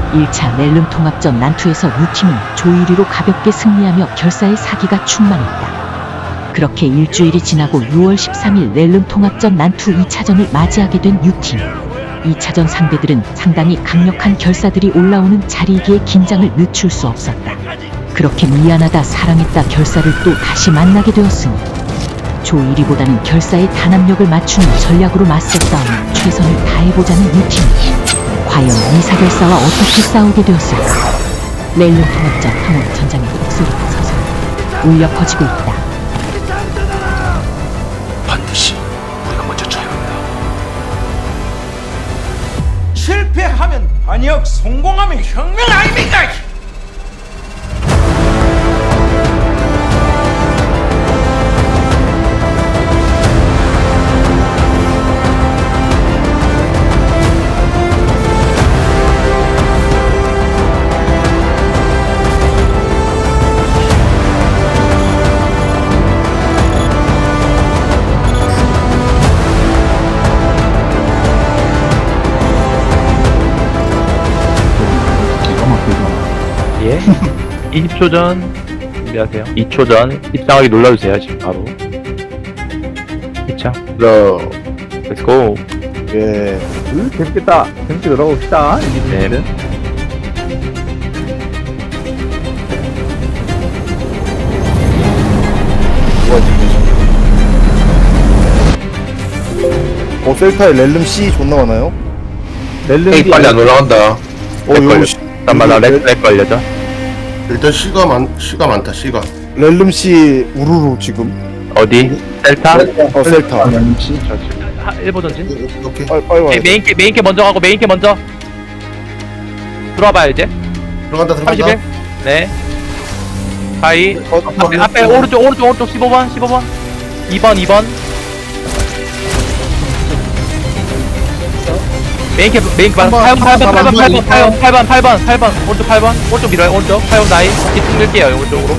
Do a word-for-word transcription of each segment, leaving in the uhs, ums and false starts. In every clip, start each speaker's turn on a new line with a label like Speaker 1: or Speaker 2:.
Speaker 1: 일 차 렐름 통합전 난투에서 U팀은 조이리로 가볍게 승리하며 결사의 사기가 충만했다. 그렇게 일주일이 지나고 유월 십삼일 렐름 통합전 난투 이 차전을 맞이하게 된 U팀. 이 차전 상대들은 상당히 강력한 결사들이 올라오는 자리이기에 긴장을 늦출 수 없었다. 그렇게 미안하다 사랑했다 결사를 또 다시 만나게 되었으니 조이리보다는 결사의 단합력을 맞추는 전략으로 맞서 싸우며 최선을 다해보자는 U팀. 과연 이사 결사와 어떻게 싸우게 되었을까? 렐름 통합전 항원 전장의 목소리가 서서 울려 퍼지고 있다.
Speaker 2: 반드시 우리가 먼저 쳐야 한다.
Speaker 3: 실패하면 반역, 성공하면 혁명 아닙니까?
Speaker 4: 예. 이십 초 전 준비하세요. 이 초 전 입장하기 눌러주세요. 지금 바로. 이 차. 러. 렛츠고.
Speaker 5: 예. 으, 재밌겠다. 재밌게 놀아봅시다.
Speaker 4: 네.
Speaker 5: 어, 셀타에 렐름 C 존나 많아요? 렐름
Speaker 2: 에이
Speaker 5: C.
Speaker 2: 빨리 안 올라간다.
Speaker 5: 어,
Speaker 4: 렉
Speaker 5: 요거
Speaker 4: 걸려.
Speaker 5: 시-
Speaker 4: 잠깐만 나
Speaker 5: 요거
Speaker 4: 렉, 렉 걸려져.
Speaker 2: 일단 C가 많 C가 많다. C가.
Speaker 5: 렐름 C 우르르 지금.
Speaker 4: 어디? 셀타?
Speaker 5: 어, 셀타.
Speaker 4: 하, 일보 전진.
Speaker 2: 오케이.
Speaker 5: 빨리, 빨리 와야
Speaker 4: 네,
Speaker 5: 돼.
Speaker 4: 메인 캐 메인 캐 먼저 가고 메인 캐 먼저. 들어와봐요 이제.
Speaker 2: 들어간다 들어간다.
Speaker 4: 삼십일. 네. 가이.
Speaker 5: 어,
Speaker 4: 앞에, 앞에 오른쪽 오른쪽 오른쪽 십오 번 십오 번. 이 번 이 번. 메인 캐 메인 캐 팔 번 팔 번 팔 번 팔 번 팔 번 팔 번 팔 번 팔 번 오른쪽 팔 번 오른쪽 밀어요 오른쪽 팔 번 나이 뒤쪽 밀게요 오른쪽으로.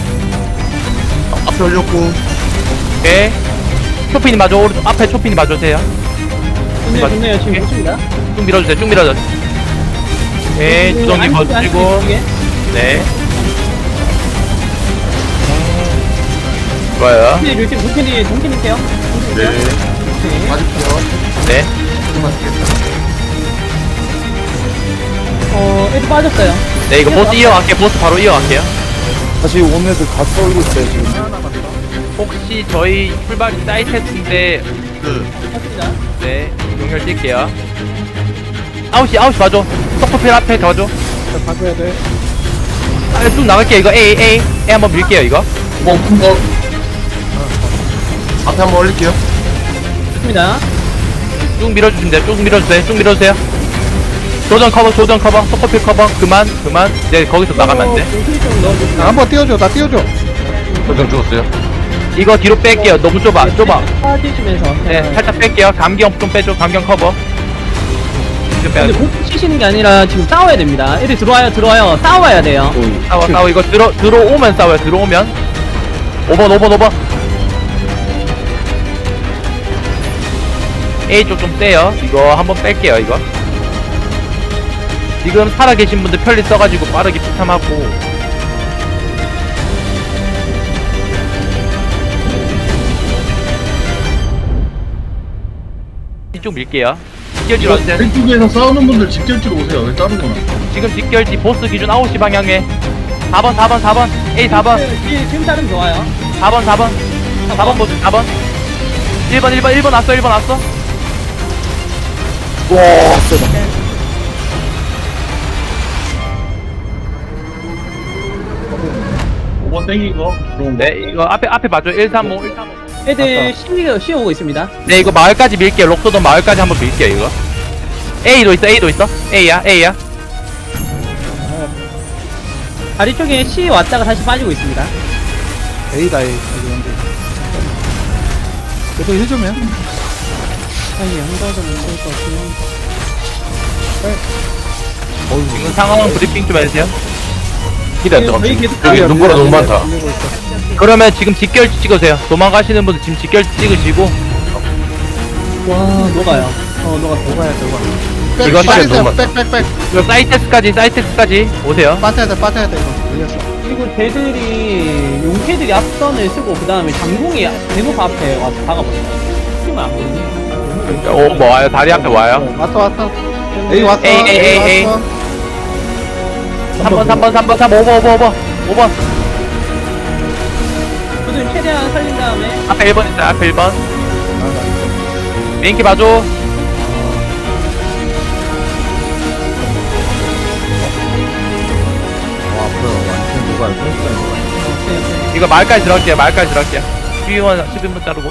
Speaker 2: 앞에 올렸고.
Speaker 4: 오케이. 초핀이 맞아 오른쪽 앞에 초핀이 맞아주세요.
Speaker 6: 좋네요, 좋네요. 지금 못 줍니다.
Speaker 4: 쭉 밀어주세요 쭉 밀어줘. 오케이 주동님 버티고. 네. 좋아요.
Speaker 6: 루틴, 루틴, 루틴이 동kin이세요?
Speaker 2: 네.
Speaker 6: 네.
Speaker 2: 맞을게요.
Speaker 4: 네.
Speaker 6: 어, 애들 빠졌어요.
Speaker 4: 네 이거 보스 이어갈게요 보스 바로 이어갈게요.
Speaker 5: 다시 온 애들 다 썰고 있어요, 지금.
Speaker 4: 혹시 저희 출발이 사이트인데
Speaker 2: 그
Speaker 6: 맞습니다.
Speaker 4: 네 용혈 뛸게요. 아홉 시 아홉 시 봐줘. 서커필 앞에 가줘.
Speaker 5: 바꿔야 돼.
Speaker 4: 아, 쭉 나갈게요 이거 A A A 한번 밀게요 이거.
Speaker 2: 뭐 뭐. 앞에 한번 올릴게요.
Speaker 6: 좋습니다.
Speaker 4: 쭉 밀어주시면 돼요. 쭉 밀어주세요. 쭉 밀어주세요. 조전 커버 조전 커버 서커필 커버 그만 그만. 이제 거기서 나가면 안 돼.
Speaker 6: 동kin이 좀 넣어주세요.
Speaker 5: 한번 띄워줘, 나 띄워줘.
Speaker 2: 도장 죽었어요.
Speaker 4: 이거 뒤로 뺄게요. 너무 좁아 좁아.
Speaker 6: 빠지시면서.
Speaker 4: 네 살짝 뺄게요. 감경 좀 빼줘. 감경 커버. 좀
Speaker 6: 근데
Speaker 4: 빼야죠.
Speaker 6: 못 치시는 게 아니라 지금 싸워야 됩니다. 애들 들어와요, 들어와요. 싸워야 돼요.
Speaker 4: 싸워 싸워 이거 들어 들어오면 싸워요. 들어오면 오 번 오 번 오 번 A 쪽 좀 떼요. 이거 한번 뺄게요 이거. 지금 살아계신 분들 편리 써가지고 빠르게 피탐하고. 이쪽 밀게요. 직결지로 왔어요.
Speaker 7: 왼쪽에서 싸우는 분들 직결지로 오세요. 왜 다른 거나?
Speaker 4: 지금 직결지 보스 기준 아홉 시 방향에 사 번 사 번 사 번 A 사 번
Speaker 6: 지금, 지금 따름 좋아요.
Speaker 4: 사 번 사 번 사 번 보스 사 번 일 번 일 번 일 번 왔어 일 번 왔어.
Speaker 5: 와, 세다.
Speaker 7: 오 번 땡기고 들어온 거.
Speaker 4: 네 이거 앞에 앞에 봐줘 일 삼 오 일 삼 오.
Speaker 6: 애들 시위가 쉬어오고 있습니다.
Speaker 4: 네 이거 마을까지 밀게요. 록소돈 마을까지 한번 밀게요 이거. A도 있어 A도 있어 A야 A야.
Speaker 6: 다리 쪽에 시 왔다가 다시 빠지고 있습니다.
Speaker 5: A다, A. 그래도 해주면?
Speaker 6: 아니, 한가좀 있을 것 같으면.
Speaker 4: 지금 상황 브리핑 좀 해주세요.
Speaker 2: 기대 안 들어가.
Speaker 6: 저희 계속
Speaker 2: 여기 눈보라 너무 많다.
Speaker 4: 그러면 지금 직결지 찍으세요. 도망가시는 분들 지금 직결지 찍으시고.
Speaker 6: 와, 녹아요. 어, 녹았어. 녹아요, 녹아.
Speaker 8: 백,
Speaker 4: 이건
Speaker 8: 빠지세요.
Speaker 2: 너무
Speaker 8: 백, 백, 백.
Speaker 4: 이거 사이텍스까지 사이텍스까지 오세요.
Speaker 8: 빠져야 돼, 빠져야 돼, 이거. 걸렸어.
Speaker 6: 그리고 쟤들이 용캐들이 앞선을 쓰고 그 다음에 장공이 대목 앞에 와서 박아버려. 힘을 안 보이네.
Speaker 4: 오뭐 와요. 다리 앞에 와요.
Speaker 8: 왔어, 왔어. 에이, 왔어.
Speaker 4: 에이, 에이, 에이, 에이.
Speaker 8: 왔어.
Speaker 4: 삼 번 삼 번 삼 번 삼 번 오 번 오 번 오 번 오 번
Speaker 6: 저들 최대한 살린 다음에
Speaker 4: 앞에 일 번 있어요. 앞에 일 번 메인키 봐줘. 이거 말까지 들어갈게요. 말까지 들어갈게요. 십이 번 십일 번 자르고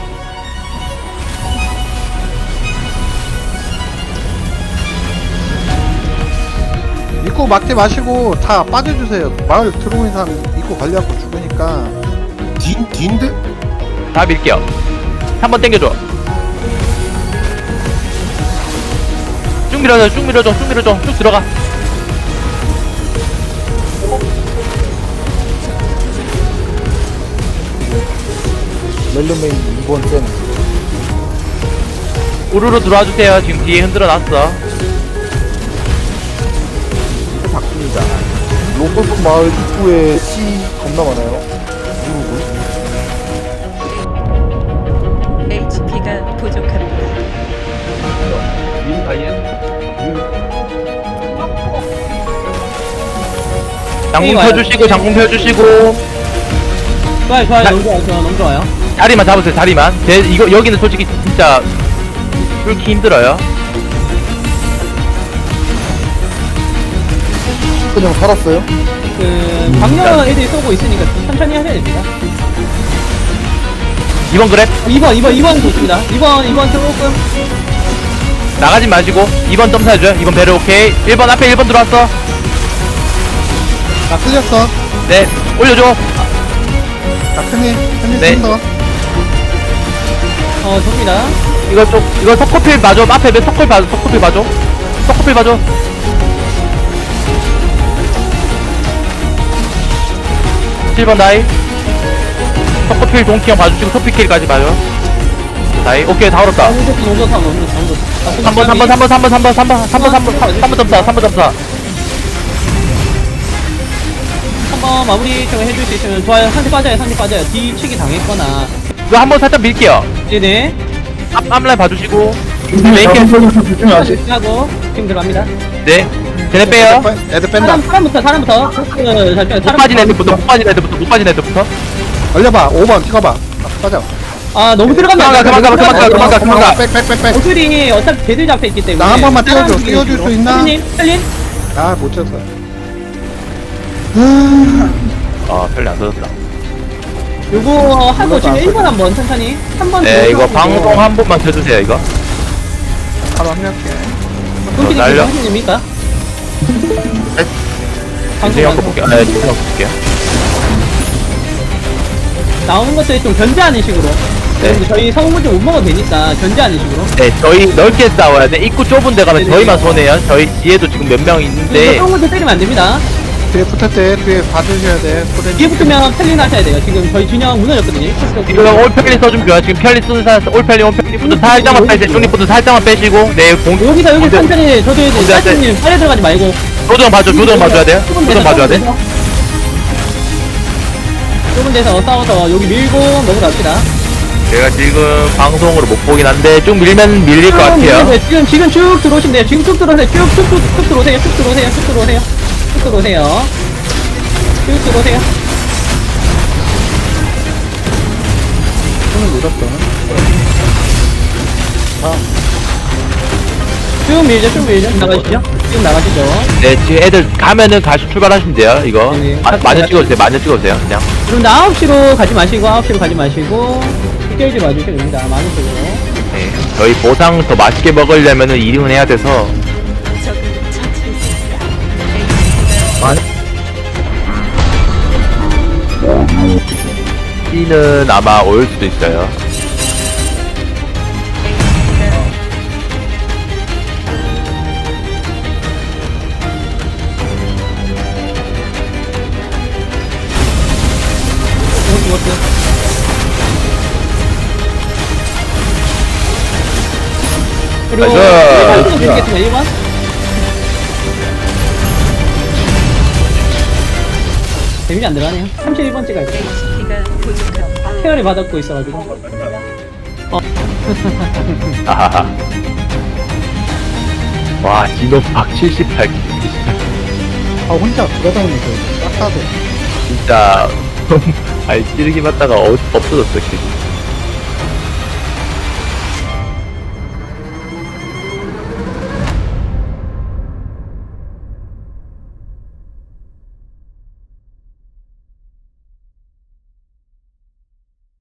Speaker 8: 입구 막지 마시고 다 빠져주세요. 마을 들어오는 사람 입구 관리하고 죽으니까.
Speaker 5: 뒤, 뒤인데?
Speaker 4: 다 밀게요. 한 번 땡겨줘. 쭉 밀어줘. 쭉 밀어줘. 쭉 밀어줘. 쭉 들어가.
Speaker 5: 렐름메인 이 번 쌤.
Speaker 4: 우르르 들어와 주세요. 지금 뒤에 흔들어 놨어.
Speaker 5: 바꿉니다. 로컬 마을 입구에 C 겁나 많아요. 누르고.
Speaker 9: 에이치피가 부족합니다.
Speaker 4: 장공 펴주시고 장공 펴주시고
Speaker 6: 좋아요 좋아요
Speaker 4: 자-
Speaker 6: 너무 좋아요 좋아요, 너무 좋아요.
Speaker 4: 자리만 잡으세요. 자리만. 제 이거 여기는 솔직히 진짜 뚫기 힘들어요.
Speaker 5: 그냥 살았어요?
Speaker 6: 그 방역 애들이 쏘고 있으니까 천천히 하셔야 됩니다.
Speaker 4: 이번 그랩
Speaker 6: 이 번 이 번 이 번 좋습니다. 이 번 이 번 조금
Speaker 4: 나가지 마시고 이 번 점수 해줘요. 이 번 배려 오케이. 일 번 앞에 일 번 들어왔어.
Speaker 8: 나 틀렸어.
Speaker 4: 네 올려줘.
Speaker 8: 나 큰일, 큰일
Speaker 4: 네.
Speaker 8: 쓴다.
Speaker 6: 어 좋습니다.
Speaker 4: 이거 좀 이거 석커필 봐줘. 앞에 몇 석커필 봐줘. 석커필 봐줘. 석커필 봐줘. 칠 번 다이. 석커필 동키형 봐주시고 토피킬까지 봐줘. 다이. 오케이 다 얼었다.
Speaker 6: 너무 좋다 너무 좋다 너무 좋다 너무 좋다.
Speaker 4: 삼 번 삼 번 삼 번 삼 번 삼 번 삼 번 삼 번 삼 번 삼 번 점사 삼 번 점사.
Speaker 6: 한번 마무리 좀 해줄 수 있으면 좋아요. 상대 빠져요 상대 빠져요. 뒤치기 당했거나.
Speaker 4: 이거 한 번 살짝 밀게요.
Speaker 6: 네네.
Speaker 4: 앞 앞라인 봐주시고. 메인캐.
Speaker 6: 하고 지금 들어갑니다.
Speaker 4: 네. 쟤네 빼요.
Speaker 8: 애들 뺀다.
Speaker 6: 사람 사람부터 사람부터. 그, 잘 빼요.
Speaker 4: 못 빠진 애들부터 못 빠진 애들부터 못 빠진 애들부터.
Speaker 8: 올려봐. 오 번 찍어봐. 아, 빠져.
Speaker 6: 아 너무 들어가면
Speaker 4: 그만 가, 그만 가, 그만 가, 그만 가, 그만 가.
Speaker 8: 백, 백, 백, 백.
Speaker 6: 오줄이 어차피 걔들 잡혀 있기 때문에.
Speaker 8: 나 한 번만 띄워줘.
Speaker 6: 사람
Speaker 8: 띄워줄 수 있나?
Speaker 6: 님 헬린.
Speaker 8: 아, 못 쳤어.
Speaker 4: 아 별로 안 터졌다.
Speaker 6: 요거 하고 지금 일 번 한번 천천히 한번
Speaker 4: 네 이거 방송 한 번만 켜주세요 이거.
Speaker 8: 바로 합류할게.
Speaker 6: 끊기는
Speaker 4: 어, 날려.
Speaker 6: 됩니까?
Speaker 4: 진영 거 볼게요. 네 진영 거 볼게요.
Speaker 6: 나오는 것들이 좀 견제하는 식으로.
Speaker 4: 네.
Speaker 6: 그리고 저희 성우물 좀 못 먹어도 되니까 견제하는 식으로.
Speaker 4: 네 저희 넓게 싸워야 돼. 입구 좁은 데 가면
Speaker 6: 네네.
Speaker 4: 저희만 손해요. 저희 뒤에도 지금 몇 명 있는데.
Speaker 6: 성우물 때리면 안 됩니다.
Speaker 8: 뒤에 붙을 때 뒤에 봐주셔야 돼. 코덴.
Speaker 6: 뒤에 붙으면 펠린 하셔야 돼요. 지금 저희 진영 무너졌거든요.
Speaker 4: 지금 올펠리 써주면 좋아요. 지금 편리 쓰는 사람 올펠리 올펠리부터 살짝만 빼세요. 중립부터 살짝만 빼시고 네 공.
Speaker 6: 여기서 여기
Speaker 4: 공대-
Speaker 6: 천천히 저도 해야
Speaker 4: 공대
Speaker 6: 돼.
Speaker 4: 할 때.
Speaker 6: 사장님 빨리 들어가지 말고.
Speaker 4: 조정 봐줘. 조정 봐줘야 돼요. 조정 봐줘야 돼.
Speaker 6: 좁은 데서 싸워서 여기 밀고 넘어갑시다.
Speaker 4: 제가 지금 방송으로 못 보긴 한데 좀 밀면 밀릴 것 같아요.
Speaker 6: 네, 지금 지금 쭉 들어오시면 돼요. 지금 쭉 들어오세요. 쭉쭉쭉 쭉 들어오세요. 쭉 들어오세요. 쭉 들어오세요. 쭉 들어오세요. 쭉 들어오세요.
Speaker 8: 손을 밀었다.
Speaker 6: 쭉 밀죠. 쭉 밀죠. 나가시죠. 지금 나가시죠.
Speaker 4: 네 지금 애들 가면은 다시 출발하시면 돼요. 이거
Speaker 6: 네네.
Speaker 4: 마, 마녀 찍어주세요. 마녀 찍어주세요. 그냥.
Speaker 6: 그럼 나 아홉 시로 가지 마시고 아홉 시로 가지 마시고 빗결지 봐주시면 됩니다. 많은 쪽으로.
Speaker 4: 네, 저희 보상 더 맛있게 먹으려면은 일 위는 해야 돼서.
Speaker 9: 적을 처치했습니다.
Speaker 4: C는 아마 올 수도 있어요.
Speaker 6: 그리고
Speaker 4: 나이스.
Speaker 6: 번 드리겠습니다. 일 번. 데미지 안 들어가네요. 삼십일 번째 갈게요.
Speaker 9: 에이치피가 부족합니다.
Speaker 6: 케어를 받았고 있어가지고.
Speaker 4: 아하하. 와, 진호박 칠십팔 개.
Speaker 8: 아 혼자 돌아다니면서 싹 다들
Speaker 4: 진짜, 아니, 찌르기 맞다가 어, 없어졌어, 길.